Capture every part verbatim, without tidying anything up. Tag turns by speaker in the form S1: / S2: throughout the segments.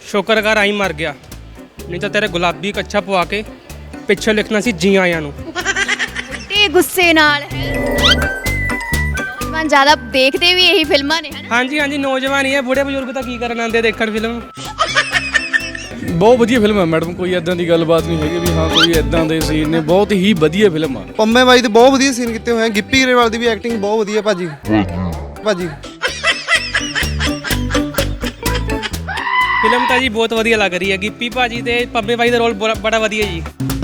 S1: ਸ਼ੁਕਰ ਕਰ ਆਈ ਮਰ ਗਿਆ, ਨਹੀਂ ਤਾਂ ਤੇਰੇ ਗੁਲਾਬੀ ਕੱਛਾ ਪਵਾ ਕੇ ਪਿੱਛੇ ਲਿਖਣਾ ਸੀ ਜੀ ਆਇਆਂ ਨੂੰ।
S2: ਤੇ ਗੁੱਸੇ ਨਾਲ ਹੈ ਨੌਜਵਾਨ ਜ਼ਿਆਦਾ ਦੇਖਦੇ ਵੀ ਇਹੀ ਫਿਲਮਾਂ ਨੇ, ਹਨਾ?
S1: ਹਾਂਜੀ ਹਾਂਜੀ, ਨੌਜਵਾਨ ਹੀ ਹੈ, ਬੁੜੇ ਬਜ਼ੁਰਗ ਤਾਂ ਕੀ ਕਰਨ ਆਉਂਦੇ ਦੇਖਣ ਫਿਲਮ।
S3: ਬਹੁਤ ਵਧੀਆ ਫਿਲਮ ਹੈ ਮੈਡਮ, ਕੋਈ ਐਦਾਂ ਦੀ ਗੱਲਬਾਤ ਨਹੀਂ ਹੈਗੀ ਵੀ ਹਾਂ ਕੋਈ ਐਦਾਂ ਦੇ ਸੀਨ ਨੇ, ਬਹੁਤ ਹੀ ਵਧੀਆ ਫਿਲਮ ਆ।
S4: ਪੰਮੇ ਬਾਈ ਦੇ ਬਹੁਤ ਵਧੀਆ ਸੀਨ ਕੀਤੇ ਹੋਏ ਆ, ਗਿੱਪੀ ਗਰੇਵਾਲ ਦੀ ਵੀ ਐਕਟਿੰਗ ਬਹੁਤ ਵਧੀਆ ਭਾਜੀ ਭਾਜੀ
S1: ਫਿਲਮ ਤਾਂ ਜੀ ਬਹੁਤ ਵਧੀਆ ਲੱਗ ਰਹੀ ਹੈ, ਗਿੱਪੀ ਭਾਜੀ ਤੇ ਪੰਮੇ ਬਾਈ ਦਾ ਰੋਲ ਬੜਾ ਵਧੀਆ ਜੀ।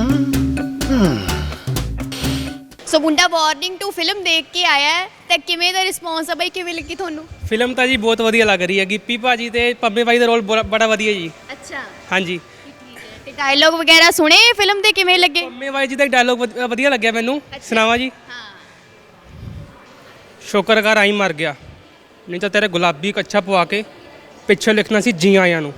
S2: ਸੋ ਮੁੰਡਾ ਵਾਰਨਿੰਗ ਟੂ ਫਿਲਮ ਦੇਖ ਕੇ ਆਇਆ ਹੈ ਤੇ ਕਿਵੇਂ ਦਾ ਰਿਸਪੌਂਸ ਆ ਬਾਈ, ਕਿਵੇਂ ਲੱਗੀ ਤੁਹਾਨੂੰ?
S1: ਫਿਲਮ ਤਾਂ ਜੀ ਬਹੁਤ ਵਧੀਆ ਲੱਗ ਰਹੀ ਹੈ, ਗਿੱਪੀ ਭਾਜੀ ਤੇ ਪੰਮੇ ਬਾਈ ਦਾ ਰੋਲ ਬੜਾ ਵਧੀਆ ਜੀ।
S2: ਅੱਛਾ,
S1: ਹਾਂਜੀ,
S2: ਤੇ ਡਾਇਲੌਗ ਵਗੈਰਾ ਸੁਣੇ ਫਿਲਮ ਦੇ, ਕਿਵੇਂ ਲੱਗੇ?
S1: ਪੰਮੇ ਬਾਈ ਜੀ ਦਾ ਡਾਇਲੋਗ ਵਧੀਆ ਲੱਗਿਆ ਮੈਨੂੰ, ਸੁਣਾਵਾ ਜੀ।
S2: ਹਾਂ,
S1: ਸ਼ੁਕਰ ਕਰ ਆਈ ਮਰ ਗਿਆ, ਨਹੀਂ ਤਾਂ ਤੇਰੇ ਗੁਲਾਬੀ ਕੱਛਾ ਪਵਾ ਕੇ ਪਿੱਛੇ ਲਿਖਣਾ ਸੀ ਜੀ ਆਇਆਂ ਨੂੰ।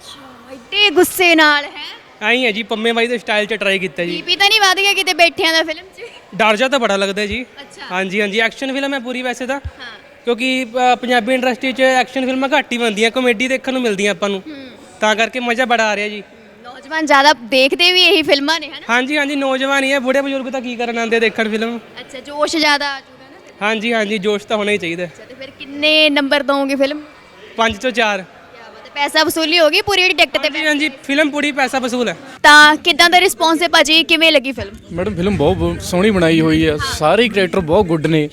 S2: ਐਡੇ ਗੁੱਸੇ ਨਾਲ ਹੈ।
S1: ਐਂ ਹੈ ਜੀ, ਪੰਮੇ ਬਾਈ ਦੇ ਸਟਾਈਲ 'ਚ ਟਰਾਈ ਕੀਤਾ ਜੀ।
S2: ਬੀਪੀ ਤਾਂ ਨਹੀਂ ਵੱਧ ਗਿਆ ਕਿਤੇ ਬੈਠਿਆਂ ਦਾ ਫਿਲਮ 'ਚ?
S1: ਡਰ ਜਾ ਤਾਂ ਬੜਾ ਲੱਗਦਾ ਜੀ।
S2: ਅੱਛਾ।
S1: ਹਾਂਜੀ ਹਾਂਜੀ, ਐਕਸ਼ਨ ਫਿਲਮ ਹੈ ਪੂਰੀ ਵੈਸੇ ਤਾਂ,
S2: ਹਾਂ,
S1: ਕਿਉਂਕਿ ਅ, ਪੰਜਾਬੀ ਇੰਡਸਟਰੀ 'ਚ ਐਕਸ਼ਨ ਫਿਲਮਾਂ ਘੱਟ ਹੀ ਬਣਦੀਆਂ, ਕਮੇਡੀ ਦੇਖਣ ਨੂੰ ਮਿਲਦੀਆਂ ਆਪਾਂ ਨੂੰ, ਤਾਂ ਕਰਕੇ ਮਜ਼ਾ ਬੜਾ ਆ ਰਿਹਾ ਜੀ।
S2: ਨੌਜਵਾਨ ਜ਼ਿਆਦਾ ਦੇਖਦੇ ਵੀ ਇਹੀ ਫਿਲਮਾਂ ਨੇ, ਹਨਾ?
S1: ਹਾਂਜੀ ਹਾਂਜੀ, ਨੌਜਵਾਨ ਹੀ ਹੈ, ਬੁੜੇ ਬਜ਼ੁਰਗ ਤਾਂ ਕੀ ਕਰਨ ਆਉਂਦੇ ਦੇਖਣ ਫਿਲਮ।
S2: ਅੱਛਾ, ਜੋਸ਼ ਜ਼ਿਆਦਾ ਆ ਜਾਊਗਾ ਨਾ ਫਿਰ।
S1: ਹਾਂਜੀ ਹਾਂਜੀ, ਜੋਸ਼ ਤਾਂ ਹੋਣਾ ਹੀ ਚਾਹੀਦਾ।
S2: ਅੱਛਾ, ਤੇ ਫਿਰ ਕਿੰਨੇ ਨੰਬਰ ਦਵੋਗੇ ਫਿਲਮ?
S1: ਪੰਜ ਤੋਂ ਚਾਰ।
S2: ਕਿਆ ਬਾਤ ਹੈ, ਪੈਸਾ ਵਸੂਲੀ ਹੋ ਗਈ ਪੂਰੀ ਜਿਹੜੀ ਟਿਕਟ ਤੇ?
S1: ਹਾਂਜੀ ਹਾਂਜੀ, ਫਿਲਮ ਪੂਰੀ ਪੈਸਾ ਵਸੂਲ ਹੈ।
S2: ਤਾਂ ਕਿੱਦਾਂ ਦਾ ਰਿਸਪੌਂਸ ਹੈ ਭਾਜੀ, ਕਿਵੇਂ ਲੱਗੀ ਫਿਲਮ?
S3: ਮੈਡਮ ਫਿਲਮ ਬਹੁਤ ਬਹੁਤ ਸੋਹਣੀ ਬਣਾਈ ਹੋਈ ਹੈ, ਸਾਰੇ ਕਰੈਕਟਰ ਬਹੁਤ ਗੁੱਡ ਨੇ,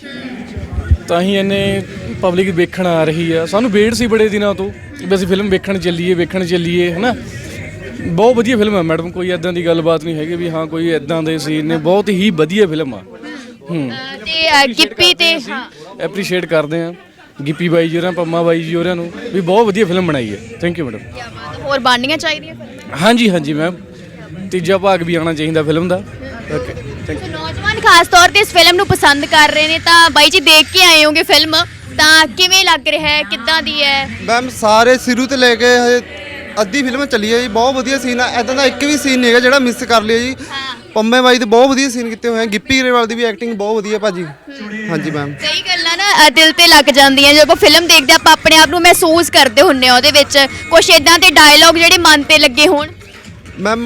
S3: ਤਾਂ ਹੀ ਇਹਨੇ ਪਬਲਿਕ ਵੇਖਣ ਆ ਰਹੀ ਆ। ਸਾਨੂੰ ਵੇਟ ਸੀ ਬੜੇ ਦਿਨਾਂ ਤੋਂ ਵੀ ਅਸੀਂ ਫਿਲਮ ਵੇਖਣ ਚੱਲੀਏ ਵੇਖਣ ਚੱਲੀਏ ਹੈ ਨਾ। ਬਹੁਤ ਵਧੀਆ ਫਿਲਮ ਹੈ ਮੈਡਮ, ਕੋਈ ਐਦਾਂ ਦੀ ਗੱਲਬਾਤ ਨਹੀਂ ਹੈਗੀ ਵੀ ਹਾਂ ਕੋਈ ਐਦਾਂ ਦੇ ਸੀਨ ਨੇ, ਬਹੁਤ ਹੀ ਵਧੀਆ ਫਿਲਮ ਆ। ਹੂੰ,
S2: ਤੇ ਅ, ਗਿੱਪੀ ਤੇ ਹਾਂ,
S3: ਐਪਰੀਸ਼ੀਏਟ ਕਰਦੇ ਆ ਗਿੱਪੀ ਬਾਈ ਜੀ ਹੋਰਾਂ, ਪੰਮਾ ਬਾਈ ਜੀ ਹੋਰਾਂ ਨੂੰ ਵੀ ਬਹੁਤ ਵਧੀਆ ਫਿਲਮ ਬਣਾਈ ਹੈ। Thank you madam.
S2: ਕਿਆ ਬਾਤ ਹੈ, ਹੋਰ ਬਣਨੀਆਂ ਚਾਹੀਦੀਆਂ ਫਿਲਮਾਂ?
S3: ਹਾਂਜੀ ਹਾਂਜੀ ਮੈਮ, ਤੀਜਾ ਭਾਗ ਵੀ ਆਉਣਾ ਚਾਹੀਦਾ ਫਿਲਮ ਦਾ। ਓਕੇ, ਥੈਂਕ
S2: ਸੋ ਨੌਜਵਾਨ ਖਾਸ ਤੌਰ ਤੇ ਇਸ ਫਿਲਮ ਨੂੰ ਪਸੰਦ ਕਰ ਰਹੇ ਨੇ, ਤਾਂ ਬਾਈ ਜੀ ਦੇਖ ਕੇ ਆਏ ਹੋਗੇ ਫਿਲਮ, ਤਾਂ ਕਿਵੇਂ ਲੱਗ ਰਿਹਾ ਹੈ, ਕਿੱਦਾਂ ਦੀ ਹੈ?
S4: ਮੈਮ ਸਾਰੇ ਸ਼ੁਰੂ ਤੋਂ ਲੈ ਕੇ ਹਜੇ ਅੱਧੀ ਫਿਲਮ ਚੱਲੀ ਹੈ ਜੀ, ਬਹੁਤ ਵਧੀਆ ਸੀਨ ਆ, ਐਦਾਂ ਦਾ ਇੱਕ ਵੀ ਸੀਨ ਨਹੀਂ ਹੈਗਾ ਜਿਹੜਾ ਮਿਸ ਕਰ ਲਿਆ ਜੀ।
S2: ਹਾਂ,
S4: ਪੰਮੇ ਬਾਈ ਦੇ ਬਹੁਤ ਵਧੀਆ ਸੀਨ ਕੀਤੇ ਹੋਏ ਆ, ਗਿੱਪੀ ਗਰੇਵਾਲ ਦੀ ਵੀ ਐਕਟਿੰਗ ਬਹੁਤ ਵਧੀਆ ਭਾਜੀ ਹਾਂਜੀ ਮੈਮ।
S2: ਕਈ ਗੱਲਾਂ ਨਾ ਅ, ਦਿਲ ਤੇ ਲੱਗ ਜਾਂਦੀਆਂ, ਜਦੋਂ ਆਪਾਂ ਫਿਲਮ ਦੇਖਦੇ ਆਪਾਂ ਆਪਣੇ ਆਪ ਨੂੰ ਮਹਿਸੂਸ ਕਰਦੇ ਹੁੰਨੇ ਆ ਉਹਦੇ ਵਿੱਚ, ਕੁਛ ਇਦਾਂ ਦੇ ਡਾਇਲੌਗ ਜਿਹੜੇ ਮਨ ਤੇ ਲੱਗੇ ਹੋਣ।
S4: ਮੈਮ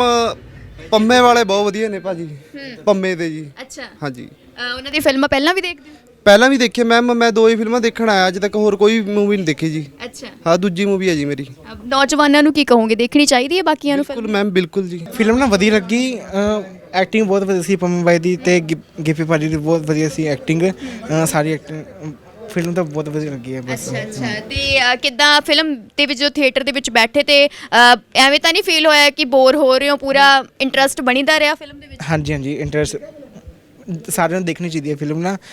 S4: ਪੰਮੇ ਵਾਲੇ ਬਹੁਤ ਵਧੀਆ ਨੇ ਭਾਜੀ, ਪੰਮੇ ਦੇ ਜੀ।
S2: ਅੱਛਾ,
S4: ਹਾਂਜੀ,
S2: ਉਹਨਾਂ ਦੀ ਫਿਲਮਾਂ ਪਹਿਲਾਂ ਵੀ ਦੇਖਦੇ ਹੋ?
S4: ਪਹਿਲਾਂ ਵੀ ਦੇਖੀ ਮੈਮ, ਮੈਂ ਦੋ ਹੀ ਫਿਲਮਾਂ ਦੇਖਣ ਆਇਆ, ਅੱਜ ਤੱਕ ਹੋਰ ਕੋਈ ਮੂਵੀ ਨਹੀਂ ਦੇਖੀ ਜੀ।
S2: ਅੱਛਾ,
S4: ਹਾਂ, ਦੂਜੀ ਮੂਵੀ ਹੈ ਜੀ ਮੇਰੀ।
S2: ਅ, ਨੌਜਵਾਨਾਂ ਨੂੰ ਕੀ ਕਹੋਗੇ, ਦੇਖਣੀ ਚਾਹੀਦੀ ਹੈ ਬਾਕੀਆਂ ਨੂੰ
S4: ਬਿਲਕੁਲ
S2: ਫਿਲਮ?
S4: ਮੈਮ, ਬਿਲਕੁਲ ਜੀ।
S5: ਫਿਲਮ ਨਾ ਵਧੀਆ ਲੱਗੀ, ਐਕਟਿੰਗ ਬਹੁਤ ਵਧੀਆ ਸੀ ਪੰਮੇ ਬਾਈ ਦੀ, ਤੇ ਗਿ- ਗਿੱਪੀ ਭਾਜੀ ਦੀ ਬਹੁਤ ਵਧੀਆ ਸੀ ਐਕਟਿੰਗ, ਅ, ਸਾਰੀ ਐਕਟਿੰਗ ਫਿਲਮ ਤਾਂ ਬਹੁਤ ਵਧੀਆ ਲੱਗੀ ਹੈ ਬਸ।
S2: ਅੱਛਾ ਅੱਛਾ, ਤੇ ਅ, ਕਿੱਦਾਂ ਫਿਲਮ ਦੇ ਵਿੱਚ ਜੋ ਥੀਏਟਰ ਦੇ ਵਿੱਚ ਬੈਠੇ ਤੇ ਅ, ਐਵੇਂ ਤਾਂ ਨਹੀਂ ਫੀਲ ਹੋਇਆ ਕਿ ਬੋਰ ਹੋ ਰਹੇ ਹੋ, ਪੂਰਾ ਇੰਟਰਸਟ ਬਣੀਦਾ ਰਿਹਾ ਫਿਲਮ ਦੇ ਵਿੱਚ?
S5: ਹਾਂਜੀ ਹਾਂਜੀ, ਇੰਟਰਸਟ ਸਾਰਿਆਂ ਨੂੰ ਦੇਖਣੀ ਚਾਹੀਦੀ ਹੈ ਫਿਲਮ ਨਾ,